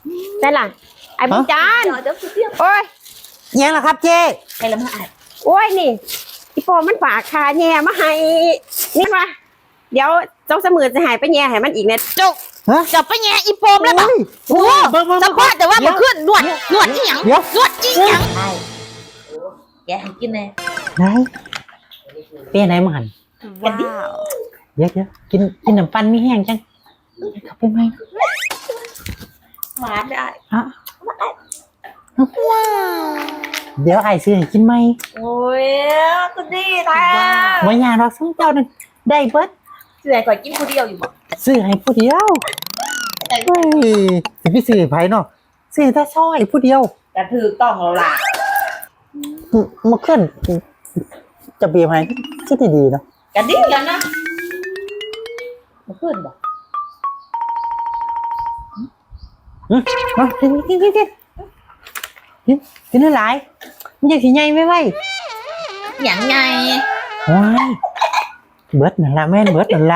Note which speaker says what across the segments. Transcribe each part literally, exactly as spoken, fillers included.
Speaker 1: ได้ล่ะไอ้บุญจันทร์โอ้ย
Speaker 2: ยังล่ะครับเจ๊
Speaker 1: ใครละมาอ่านโอ้ยนี่อีโปมันฝากคาแย่มาให้นี่มาเดี๋ยวเจ้าเสมือนจะหายไปแย่ให้มันอีกเนี่ยจุกจะไปแย่อีโปมแล้วบอกโอ้สปอร์ตแต่ว่ามันขึ้นนวดนวดอีหยังนวดอีหยังแกให้กินแน่
Speaker 2: ไหนเป้ไหนมาหัน
Speaker 1: ว้าว
Speaker 2: เดี๋ยวเดี๋ยวกินกินน้ำปันมีแห้งจังขับไปไหม
Speaker 1: หวานได้
Speaker 2: ฮะเดี๋ยวไอ้ซื้อให้กินไหม
Speaker 1: โอ้ยก็ดีแต่
Speaker 2: วันยาเราซื้อเจ้านึงได้เบิด
Speaker 1: ซื้อให้ก่อนกินผู้เดียวอยู่บ่
Speaker 2: ซื้อให้ผู้เดียวเฮ้ยสิพี่ซื้อไผเนาะซื้อแต่ซอยผู้เดียว
Speaker 1: แต่ถือต้องเราล่ะ
Speaker 2: มาขึ้นจะเบียร์ไหมคิดดีๆเนาะ
Speaker 1: กันดีกันนะมาขึ้นบ่
Speaker 2: มากินกินกินกินกินกินเท่าไหร่มันอยากสิใหญ่ไหมไว้
Speaker 1: อย่างไง
Speaker 2: ว้ายเบิดนั่นละแม่นเบิดนั่นละ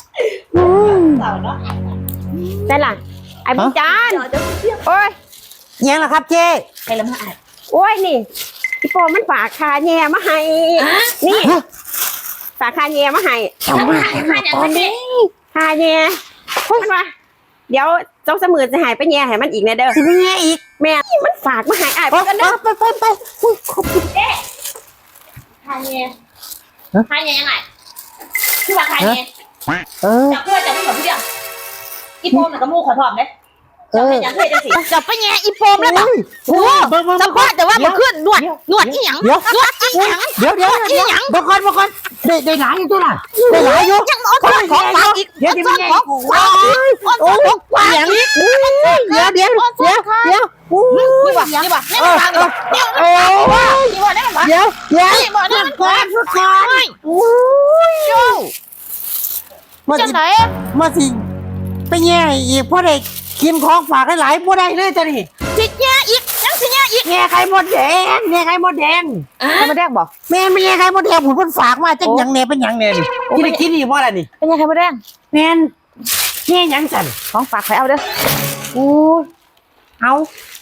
Speaker 1: ได้ล่ะไอ้บุญจันทร์โอ้ย
Speaker 2: ยังล่ะครับเจ๊
Speaker 1: ใครละมาอ่านโอ้ยนี่อีโปมันฝากคาแย่มาให้นี่ฝากคาแย่มาให้ตอนนี้คาแย่พูดมาเดี๋ยวเจ้าเสมือนจะหายไปแย่ให้มันอีกเนี่ยเด้อ
Speaker 2: จะไปแย่อีก
Speaker 1: แม่มันฝากมาหายอ่ะไปกันเด้อ
Speaker 2: ไปไปไปขอบคุณ
Speaker 1: เอ๊ะคาแย่คาแย่ยังไงคือว่าคาแย่
Speaker 2: เออ
Speaker 1: จับเพื่อจับเพื่อเพื่ออีโปมกับมูขอถอมเลยจับไปยังเคยจะสิจับไปแย่อีโปมแล้วบอกโอ้สปอร์ตแต่ว่ามันขึ้นนวดนวดอีหยังนวดอีหยัง
Speaker 2: เดี๋ยวเดี๋ยวอีหยังบางคนบางคนได้ได้หลายอยู่ตัวน่ะได้หลายอยู่
Speaker 1: ยังเอาของของฝากอีก
Speaker 2: เดี๋ยวเดี๋ยว
Speaker 1: ของฝากโอ้ของฝากอีก
Speaker 2: เดี๋ยวเดี๋ยวเดี๋ยวเดี๋ยว
Speaker 1: นี่บ่นี่บ่นี่บ่นี่บ่โอ้นี่บ่นี่บ่
Speaker 2: เดี๋ยวเดี๋ยว
Speaker 1: นี่บ่นี่บ่
Speaker 2: สุดท้ายโอ้ยโย่มาสิมาสิไปแย่อีกเพราะได้กินของฝากหลายๆบ่ได้เลยจ้ะนี่
Speaker 1: สิแย่อีกยังสิแย่อีก
Speaker 2: แย่ไข่มดแดงแย่ไข่มดแดง
Speaker 1: ไข่มดแดงบ่
Speaker 2: แม่ไม่แย่ไข่มดแดงผมเพิ่นฝากมาจังหยังแน่เป็นหยังแน่นี่กินได้กินนี่บ่ล่ะนี่
Speaker 1: เป็นยังไข่มดแดง
Speaker 2: แม่นแย่หยังสั่น
Speaker 1: ของฝากไปเอาเด้ออู้
Speaker 2: เอา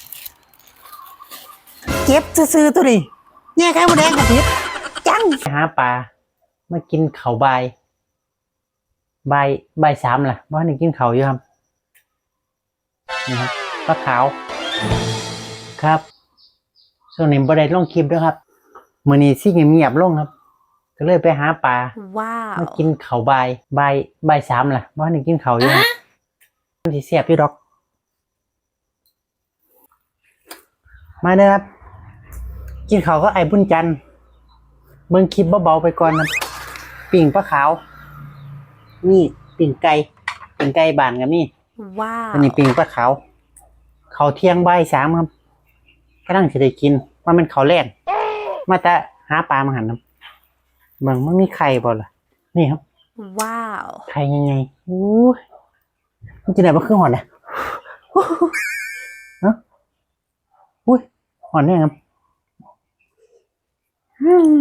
Speaker 2: เก็บซื่อๆตัวนี้แย่ไข่มดแดงก็ผิดจังหาปลามากินข้าวใบใบใบสามล่ะบ่ได้กินข้าวอยู่ครับนี่ครับปลาขาวครับส่วนนี้บ่ได้ลงคลิปด้วยครับมื้อนี้สิเงียบๆลงครับก็เลยไปหาปลา
Speaker 1: ว้าว
Speaker 2: มากินข้าวใบใบใบสามล่ะบ่ได้กินข้าวอยู่ครับมันสิแซ่บอยู่ดอกมาเด้อครับกินข้าวก็ไอ้บุญจันทร์เบิ่งคลิปเบาๆไปก่อนครับปิ่งปลาขาวนี่ปิ่งไก่ปิ่งไก่บ้านกับนี่
Speaker 1: ว้าว
Speaker 2: อันนี้ปิ่งปลาขาวเขาเที่ยงใบสามครับกำลังจะได้กินว่ามันเขาแล่นมาแต่หาปลามาหันครับเบิ่งมันมีไข่บ่ล่ะนี่ครับ
Speaker 1: ว้าว
Speaker 2: ไข่ยังไงอู้มันจะไหนมาขึ้นหอนเนี่ยฮะอุ้ยหอนเนี่ยครับอืม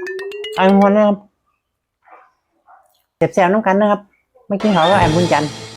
Speaker 2: ไอ้หอนเนี่ยครับเจ็บแซวน้องกันนะครับไม่กินเขาก็แอบบุญจันทร์